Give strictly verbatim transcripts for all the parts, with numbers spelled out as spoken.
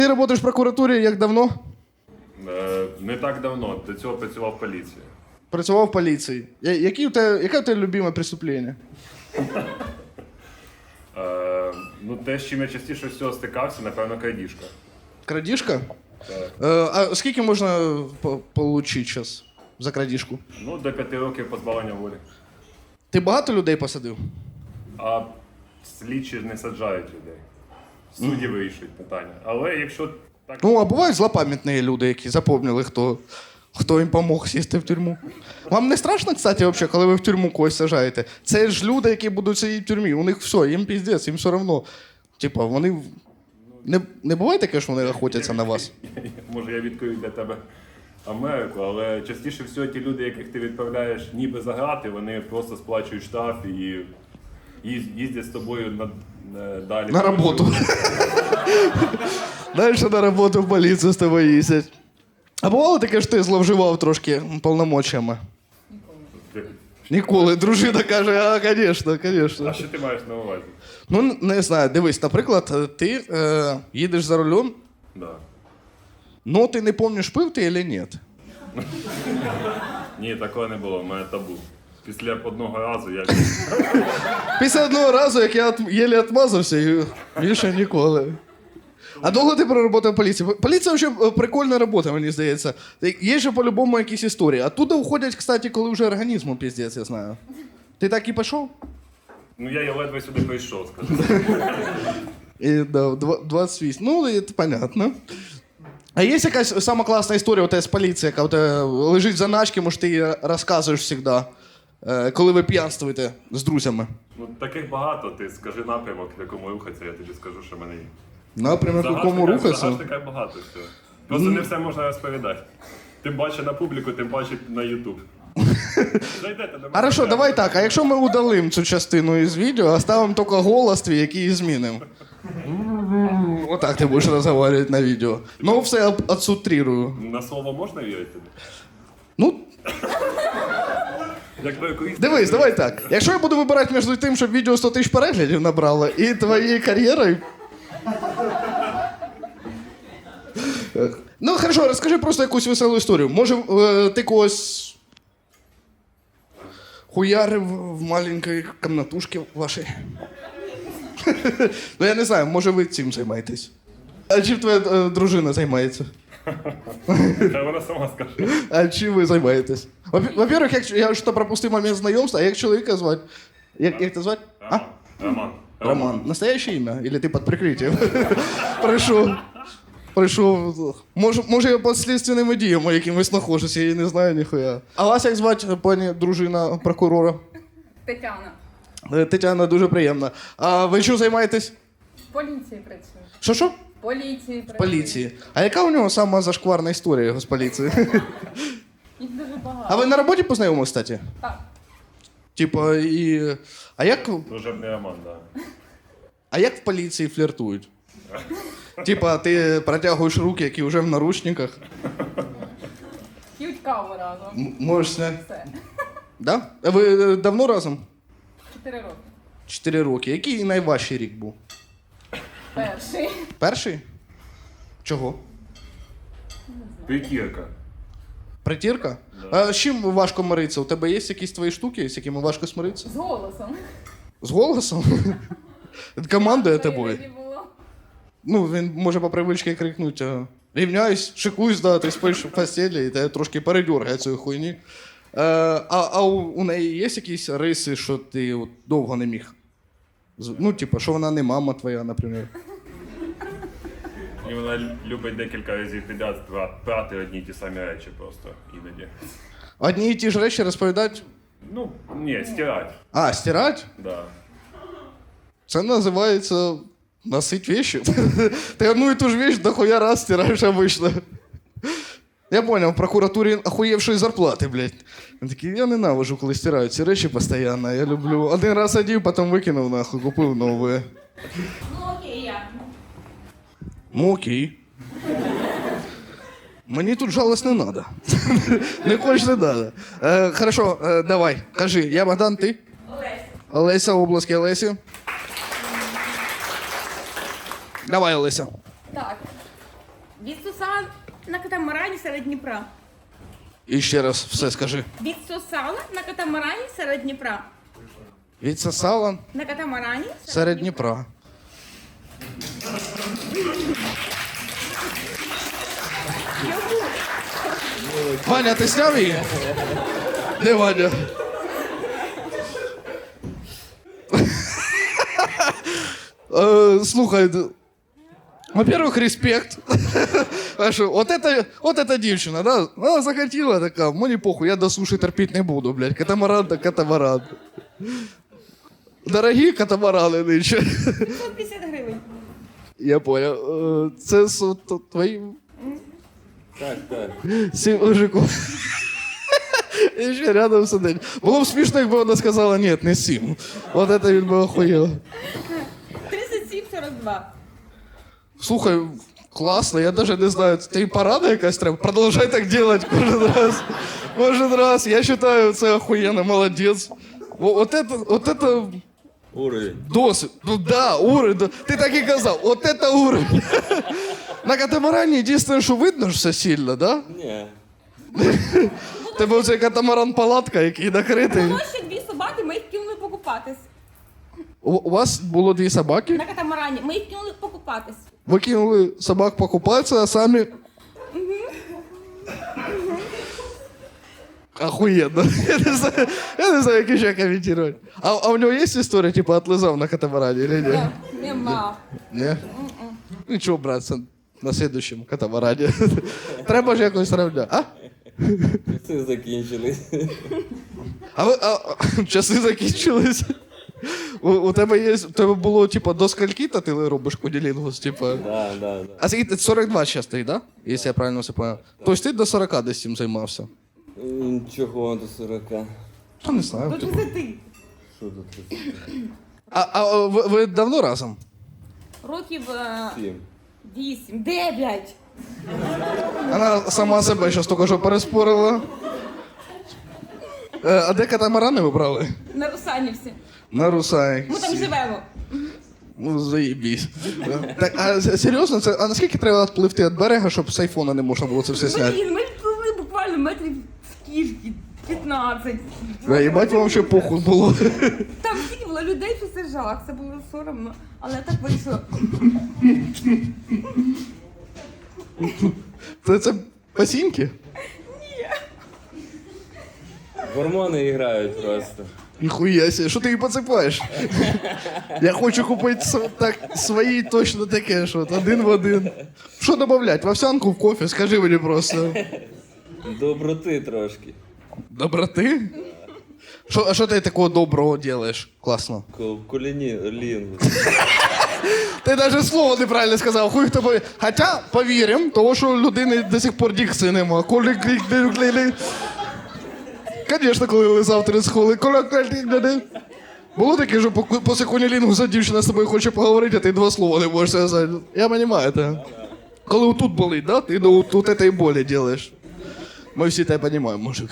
Ти працюєш в прокуратурі як давно? Е, не так давно, до цього працював в поліції. Працював в поліції. Я- Які у тебе, яке у тебе любиме преступлення? Е, ну, те, з чим я частіше всього стикався, напевно, крадіжка. Крадіжка? Так. Е, а скільки можна отримати зараз за крадіжку? Ну, до п'яти років позбавлення волі. Ти багато людей посадив? А слідчі не саджають людей. Судді вирішують питання. Але якщо так. Ну, а бувають злопам'ятні люди, які запомнили, хто, хто їм помог сісти в тюрму. Вам не страшно, кстати, вообще, коли ви в тюрму когось сажаєте? Це ж люди, які будуть сидіти в тюрмі. У них все, їм піздець, їм все одно. Типа, вони. Не, не буває таке, що вони охотяться на вас? Може, я відкрию для тебе Америку, але частіше всього ті люди, яких ти відправляєш ніби за грати, вони просто сплачують штраф і їз- їздять з тобою на, на- далі. На роботу. Далі на роботу в поліцію з тобою їздять. А бувало таке, що ти зловживав трошки повномочиями? Ніколи. Дружина каже, а, звісно, звісно. А що ти маєш на увазі? Ну, не знаю, дивись, наприклад, ти е, їдеш за рулем, Да. но ти не пам'ятаєш, пив ти чи ні. Ні, такого не було, в мене табу. Після одного разу я. Після одного разу, як я от, єлі відмазався, і більше ніколи. А довго ти проработав в поліції? Поліція взагалі прикольна робота, мені здається. Є же по-любому якісь історії. Оттуда уходять, кстати, коли вже організму піздець, я знаю. Ти так і пішов? Ну я, я ледве сюди прийшов, скажу. І, да, в два- двадцять вісім. Ну, це понятно. А є якась сама класна історія у тебе з поліції, яка у тебе лежить в заначці, може ти її розказуєш завжди, е, коли ви п'янствуєте з друзями? Ну таких багато, ти скажи напрямок, в якому рухатися, я тобі скажу, що в мене є. Напрямок, в якому Загашника- рухатися? загашника багато всього. Просто не все можна розповідати. Тим паче на публіку, тим паче на Ютуб. Зайдете до мене. Хорошо, давай так, а якщо ми удалимо цю частину із відео, оставимо тільки голос твій, який і змінимо. Отак ти будеш розмовляти на відео. Ну, все об- отсутрирую. На слово можна вірити? Ну, Як до якоїсь... дивись, давай так. Якщо я буду вибирати між тим, щоб відео сто тисяч переглядів набрало, і твоєю кар'єрою. Ну, хорошо, розкажи просто якусь веселу історію. Може, е, ти когось хуярив в маленькій комнатушці вашій? Ну, я не знаю, може ви цим займаєтесь. А чим твоя е, дружина займається? Хай вона сама скаже. А чим ви займаєтесь? Во- Во-первых, як, я ж то пропустив момент знайомства, а як чоловіка звати? Як, як тебе звати? А? Роман. Роман. Роман. Настоящее имя? Или ты под прикрытием? Прийшов. Прийшов. Може, може я під слідственними діями якимось знаходжуся, я не знаю ніхуя. А вас як звати, пані дружина прокурора? Тетяна. Е, Тетяна, дуже приємно. А ви чим займаєтесь? В поліції працює. Що що? В поліції працює. Поліції. А яка у нього сама зашкварна історія його з поліції? Їх дуже багато. А ви на роботі познайомились, кстати? Так. Типа, і. А як, Служебний роман, да. а як в поліції фліртують? Типа, ти протягуєш руки, які вже в наручниках. П'ють каву разом. М- Можеш зняти. Все. Да? А ви е, давно разом? Чотири роки. Чотири роки. Який найважчий рік був? Перший. Перший? Чого? П'ятірка. Притірка? А з чим важко миритися? У тебе є якісь твої штуки, з якими важко смиритися? З голосом. З голосом? Командує тобою. Іноді було. Ну, він може по привичці крикнути: а, рівняюсь, шикуюсь, да, ти спиш в постелі, і тебе трошки передергає цієї хуйні. Е, а а у, у неї є якісь риси, що ти от, довго не міг? З- Ну, типу, що вона не мама твоя, наприклад. І вона любить декілька разів підряд пра- прати одні й ті самі речі просто іноді. Одні і ті ж речі розповідають? Ну, ні, стирать. А, стирать? Да. Це називається носить вещи. Ти одну і ту ж вещь дохуя раз стираєш обично. Я понял, в прокуратурі охуєвшої зарплати, блядь. Він такий, я ненавижу, коли стирають ці речі постійно. Я люблю. Один раз одів, потім викинув нахуй, купив нове. Ну окей, я. Ну окей. Мені тут жалость не надо. Не хочеш, не надо. Е, хорошо, е, давай, кажи, я Богдан, ти? Олеся. Олеся, обласки Олесі. Давай, Олеся. Так. Відсосала на катамарані серед Дніпра. І ще раз все скажи. Відсосала на катамарані серед Дніпра. Відсосала На катамарані серед Дніпра. Ваня, ти сняв її? Де Ваня? Е, Слухай, д- во-первых, респект. А що, от это, от это дівчина, да? Вона захотіла така, мені похуй, я до суші терпіти не буду, блядь. Катамаран та катамаран. Дорогі катамарани нинче. п'ятсот п'ятдесят гривень. Я понял. Е, Це с- т- твої Так, так. сім мужиків. І ще рядом сидить. Було б смішно, якби вона сказала, ні, не сім. От це він би охуєв. тридцять сім сорок два. Слухай, класно, я даже не знаю, ти порада якась треба? Продовжай так делать кожен раз. Кожен раз. Я вважаю, це охуєнно, молодець. О- От это, от это Уровень. досвід. Ну да, уровень. да. Ти так і казав, от это уровень. На катамарані єдине, що видно ж все сильно, да? Ні. Тебе оцей катамаран-палатка, який накритий. Було ще дві собаки, ми їх кинули покупатись. У, у вас було дві собаки? На катамарані. Ми їх кинули покупатись. Ви кинули собак покупатися, а самі... Охуєнно. Я не знаю, я не знаю, як ще коментувати. А, а у нього є історія, типу, отлизав на катамарані, или ні? Нема. Ні? Нічого, братце, на слідущому катамарані. Треба ж якось равняти. А? Часи закінчились. А ви, а, а, часи закінчились. У, у тебе є, у тебе було, типу, до скольки-то ти робиш кунілінгус, типу? Да, да, да. А скільки ти сорок два зараз стоїть, да? Якщо я правильно все понял. Тобто ти до сорока десь цим займався? М, Чого до сорока? Я не знаю. До Типу. тридцяти. Що до тридцяти? А, а ви, ви давно разом? Років е, Сім. вісім, дев'ять. Вона сама себе зараз тільки що переспорила. Е, а де катамарани ви брали? На Русанівці. На Русаї. Ми там живемо. Ну, заїбісь. Так, а с- серйозно, це, а наскільки треба відпливти від берега, щоб з айфона не можна було це все зняти? Блін, ми відпливли буквально метрів скільки? п'ятнадцять. Да, їбать, вам ще похуй було. Там стільки було людей, що це жах, це було соромно. Але так вийшло. Це, це пасінки? Гормони грають просто. Ніхуя себе, що ти її поцепаєш? Я хочу купити с- так, свої точно таке, що от один в один. Що додавати? В овсянку, в кофе? Скажи мені просто. Доброти трошки. Доброти? Що, а що ти такого доброго робиш? Класно. Ко- Куліні, лінгу. Ти навіть слово неправильно сказав. Хуй хто повір. Хоча повіримо, тому що у людини до сих пор дикції нема. Коли клік клік клік. Звісно, коли лизав три схоли. Коли клік клік клік. Було таке, що по- після кунілінгуса дівчина з тобою хоче поговорити, а ти два слова не можеш сказати. Я розумію це. Коли тут болить, да? Ти до тут этой болі робиш. Ми всі тебе розуміємо, мужик.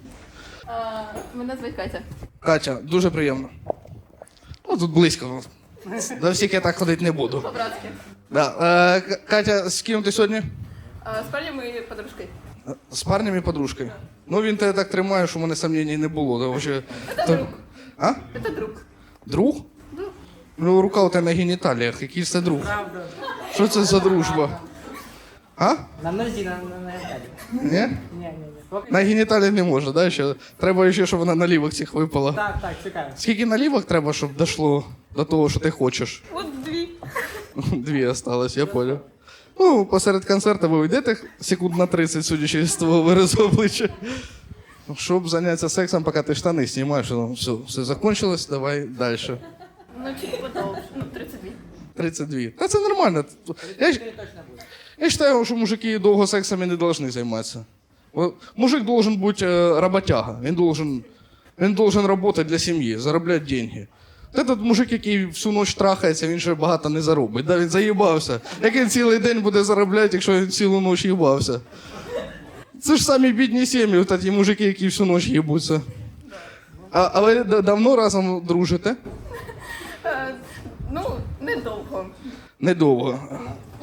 Мене звуть Катя. Катя, дуже приємно. Ну, тут близько. До всіх я так ходити не буду. По-братськи. Да. Е, К- Катя, з ким ти сьогодні? З парнем і подружкою. З парнем і подружкою. Ну він тебе так тримає, що в мене сумнівів не було. Тому що... Це То- друг. А? Це друг. Друг? Друг. Ну, рука у тебе на геніталіях. Який це друг? Правда. Що це за дружба? А? На нозі, на, на, на геніталії. Ні? Ні, ні, ні. Поки... На геніталіях не можна, да? Ще? Треба ще, щоб вона налівок цих випала. Так, так, чекаю. Скільки налівок треба, щоб дійшло до того, що ти хочеш? От дві. Дві осталось, я понял. Ну, посеред концерту ви йдете секунд на тридцять, судячи з твого виразу обличчя. Щоб зайнятися сексом, поки ти штани знімаєш, ну, все, все закончилось, давай далі. Ну, чуть подовше. Ну, тридцять дві. тридцять два. Та це нормально. Я, ж- я вважаю, що мужики довго сексом не повинні займатися. О, Мужик должен бути е, роботяга. Він должен, він должен працювати для сім'ї, заробляти гроші. Этот мужик, який всю ніч трахається, він ще багато не заробить. Да, він заїбався. Як він цілий день буде заробляти, якщо він цілу ніч їбався? Це ж самі бідні сім'ї, от ті мужики, які всю ніч їбуться. А, а ви д- давно разом дружите? Е, ну, недовго. Недовго. Я не пам'ятаю.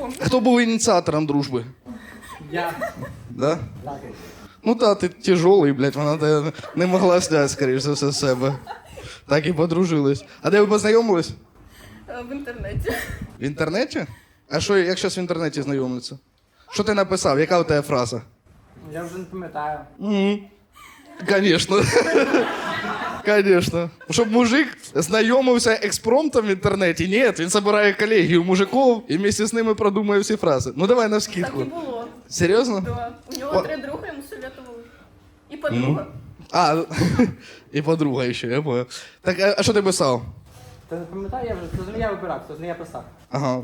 знайомі. Хто був ініціатором дружби? Я. Да? Так. Ну та, ти тяжелий, блядь, вона тебе не могла зняти, скоріш за все, з себе. Так і подружились. А де ви познайомились? Е, В інтернеті. В інтернеті? А що, як зараз в інтернеті знайомляться? Що ти написав? Яка у тебе фраза? Я вже не пам'ятаю. Угу. Конечно. Конечно. Щоб мужик знайомився експромтом в інтернеті. Ні, він збирає колегію мужиків і вместе з ними продумує всі фрази. Ну давай Так навскидку. і було. Серйозно? Да. У нього О. три друга, йому советували. І подруга. А, і подруга ще, я понял. Так, а а що ти писав? Ти не пам'ятаю, я вже, це ж не я вибирав, це ж не я писав. Ага.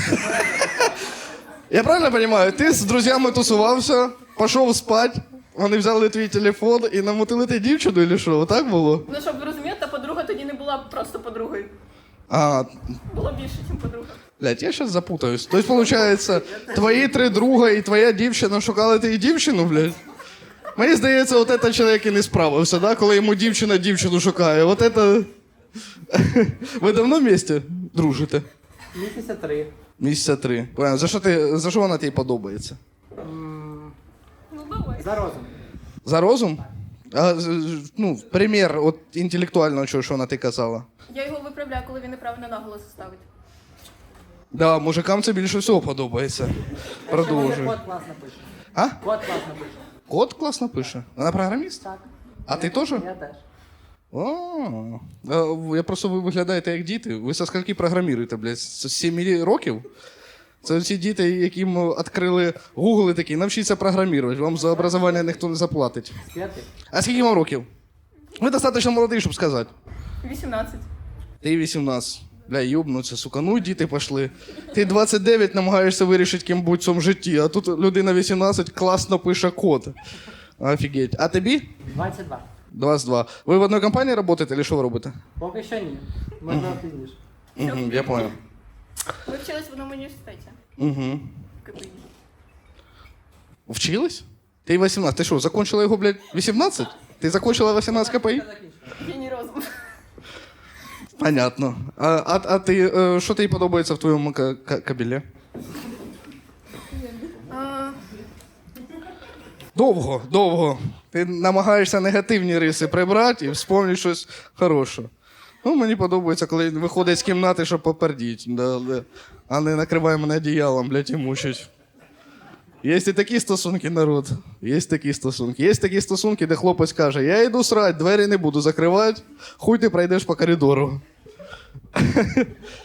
Я правильно розумію? Ти з друзями тусувався, пішов спати, вони взяли твій телефон і намутили ти дівчину, чи що? Отак було? Ну, щоб ви розуміли, та подруга тоді не була просто подругою. А, Було більше, ніж подруга. блядь, я зараз запутаюсь. Тобто, виходить, твої три друга і твоя дівчина шукали ти дівчину, блядь? Мені здається, от це чоловік і не справився, да? Коли йому дівчина дівчину шукає. От це... Ви давно вместе дружите? Місяця три. Місяця три. Понятно. За що, ти, за що вона тобі подобається? М, Ну, давай. За розум. За розум? А, з- з- ну, примір от інтелектуального чого, що вона ти казала. Я його виправляю, коли він неправильно наголос ставить. Да, мужикам це більше всього подобається. Продовжуй. Код класно пише. А? Код класно пише. Код класно пише. Вона програміст? Так. А ти теж? Я теж. О, а, я просто ви виглядаєте як діти. Ви со скільки програміруєте, блядь? З семи років? Це ці діти, яким відкрили Google і такі, навчіться програмувати, вам за образування ніхто не заплатить. З п'яти. А скільки вам років? Ви достатньо молодий, щоб сказати. вісімнадцять. Ти вісімнадцять. Бля, юбнуться, сука, ну діти пішли. Ти двадцять дев'ять намагаєшся вирішити, ким будь в цьому житті, а тут людина вісімнадцять класно пише код. Офігеть. А тобі? двадцять два. двадцять два. Ви в одній компанії працюєте, чи що ви робите? Поки що ні. Можливо, пізніше. Угу, я понял. Ми вчились в одному університеті. Угу. В КПІ. Вчились? Ти вісімнадцять. Ти що, закончила його, блядь, вісімнадцять? Ти закончила вісімнадцять КПІ? Геній розум. Понятно. А, а, а ти, е, що тобі подобається в твоєму ка- ка- кабелі? А, Довго, довго. Ти намагаєшся негативні риси прибрати і вспомнити щось хороше. Ну, мені подобається, коли він виходить з кімнати, щоб попердіть, да, да. А не накриває мене одіялом, блядь, і мучить. Є і такі стосунки, народ. Є такі стосунки. Є такі стосунки, де хлопець каже, я йду срать, двері не буду закривати, хуй ти пройдеш по коридору.